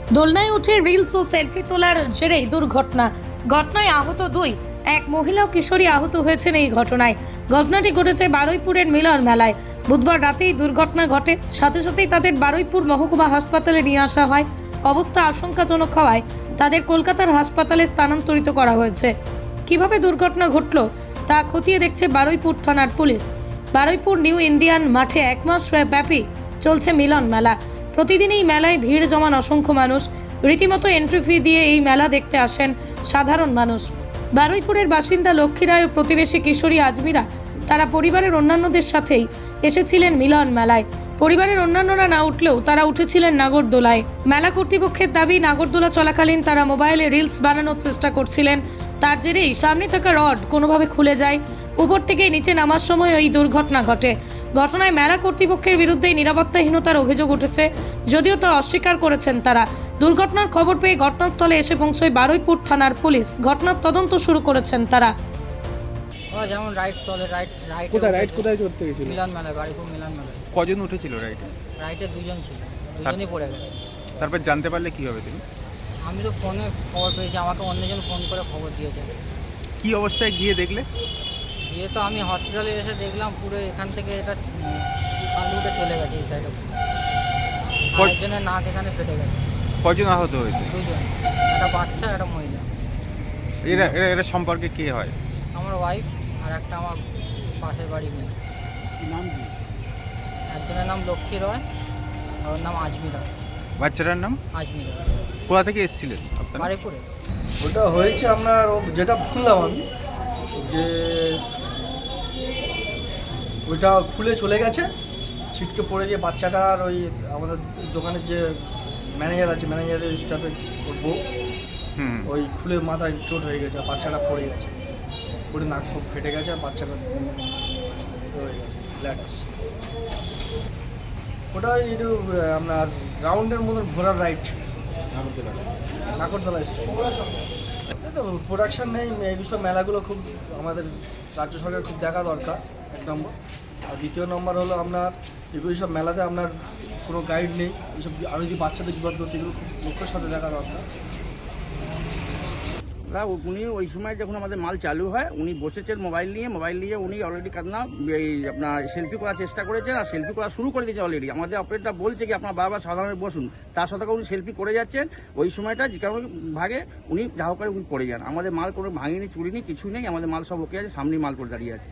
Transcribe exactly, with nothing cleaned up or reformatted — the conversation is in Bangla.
দোলনায় উঠে রিলস ও সেলফি তোলার জেরেই দুর্ঘটনা। ঘটনায় আহত দুই। এক মহিলা ও কিশোরী আহত হয়েছেন এই ঘটনায়। ঘটনাটি ঘটেছে বারুইপুরের মিলন মেলায়। বুধবার রাতেই দুর্ঘটনা ঘটে। সাথে সাথেই তাদের বারুইপুর মহকুমা হাসপাতালে নিয়ে আসা হয়। অবস্থা আশঙ্কাজনক হওয়ায় তাদের কলকাতার হাসপাতালে স্থানান্তরিত করা হয়েছে। কিভাবে দুর্ঘটনা ঘটল তা খতিয়ে দেখছে বারুইপুর থানার পুলিশ। বারুইপুর নিউ ইন্ডিয়ান মাঠে এক মাস ব্যাপী চলছে মিলন মেলা। প্রতিদিন এই মেলায় ভিড় জমান অসংখ্য মানুষ। রীতিমতো এন্ট্রি ফি দিয়ে এই মেলা দেখতে আসেন সাধারণ মানুষ। বারুইপুরের বাসিন্দা লক্ষ্মী রায় ও প্রতিবেশী কিশোরী আজমিরা তারা পরিবারের অন্যান্যদের সাথেই এসেছিলেন মিলন মেলায়। পরিবারের অন্যান্যরা না উঠলেও তারা উঠেছিলেন নাগরদোলায়। মেলা কর্তৃপক্ষের দাবি, নাগরদোলা চলাকালীন তারা মোবাইলে রিলস বানানোর চেষ্টা করছিলেন। তার জেরেই সামনে থাকা রড কোনোভাবে খুলে যায়। উপর থেকে নিচে নামার সময় এই দুর্ঘটনা ঘটে। ঘটনায় মেলা কর্তৃপক্ষের বিরুদ্ধে নিরাপত্তাহীনতার অভিযোগ উঠেছে, যদিও তা অস্বীকার করেছেন তারা। দুর্ঘটনার খবর পেয়ে ঘটনাস্থলে এসে পৌঁছয় বারুইপুর থানার পুলিশ। ঘটনার তদন্ত শুরু করেছেন তারা। যেমন রাইড চলে, রাইড রাইড কোথায় রাইড কোথায় চড়তে গেছিল? মিলন মেলায়, বারুইপুর মিলন মেলায়। কজন উঠেছিল রাইডে? রাইডে দুজন ছিল, দুজনই পড়ে গেছে। তারপর জানতে পারলে কি হবে তুমি? আমি তো ফোনে খবর পেয়েছি, আমাকে অন্যজন ফোন করে খবর দিয়েছে। কি অবস্থায় গিয়ে দেখলে? দিয়ে তো আমি হসপিটালে এসে দেখলাম পুরো এখান থেকে এটা আলুটা চলে গেছে এই সাইডে। একজনের নাক এখানে ফেটে গেছে। কজন আহত হয়েছে? দুজন, একটা বাচ্চা, একটা মহিলা। এরা এরা এরা সম্পর্কে কে হয়? আমার ওয়াইফ আর একটা আমার পাশের বাড়ি মেয়ে। নাম কি? একজনের নাম লক্ষ্মী রয় আর ওর নাম আজমিরা। বাচ্চাটার নাম? আজমিরা। কোথা থেকে এসেছিলেন আপনারা? বারুইপুরে। ওটা হয়েছে আপনার যেটা বললাম আমি, যে ওইটা খুলে চলে গেছে, ছিটকে পড়ে গিয়ে বাচ্চাটার ওই আমাদের দোকানের যে ম্যানেজার আছে, ম্যানেজারের স্টাফে বউ, হুম ওই খুলে মাথায় চোট হয়ে গেছে, বাচ্চাটা পড়ে গেছে, পড়ে নাক খুব ফেটে গেছে, আর বাচ্চাটা হয়ে গেছে ল্যাটাস। ওটা একটু আপনার রাউন্ডের মতন ঘোরার রাইড, নাগরদোলা স্টাইল। তো প্রোডাকশান নেই, এই বিষয় মেলাগুলো খুব আমাদের রাজ্য সরকার খুব দেখা দরকার, এক নম্বর। আর দ্বিতীয় নম্বর হলো আপনার এগুলো সব মেলাতে আপনার কোনো গাইড নেই, এইসব আরও যদি বাচ্চাদের বিপদ করতে এগুলো খুব লক্ষ্যের সাথে দেখা দরকার। উনি ওই সময় যখন আমাদের মাল চালু হয়, উনি বসেছেন মোবাইল নিয়ে, মোবাইল নিয়ে উনি অলরেডি কান্না এই আপনার সেলফি করার চেষ্টা করেছেন, আর সেলফি করা শুরু করে দিয়েছে অলরেডি। আমাদের অপারেটরটা বলছে কি আপনার বারবার সাধারণে বসুন, তার সাথে উনি সেলফি করে যাচ্ছেন। ওই সময়টা যে কারণে ভাগে উনি যা হোক করে উনি পড়ে যান। আমাদের মাল কোনো ভাঙিনি, চুরিনি, কিছু নেই, আমাদের মাল সব ওকে আছে, সামনে মাল করে দাঁড়িয়ে আছে।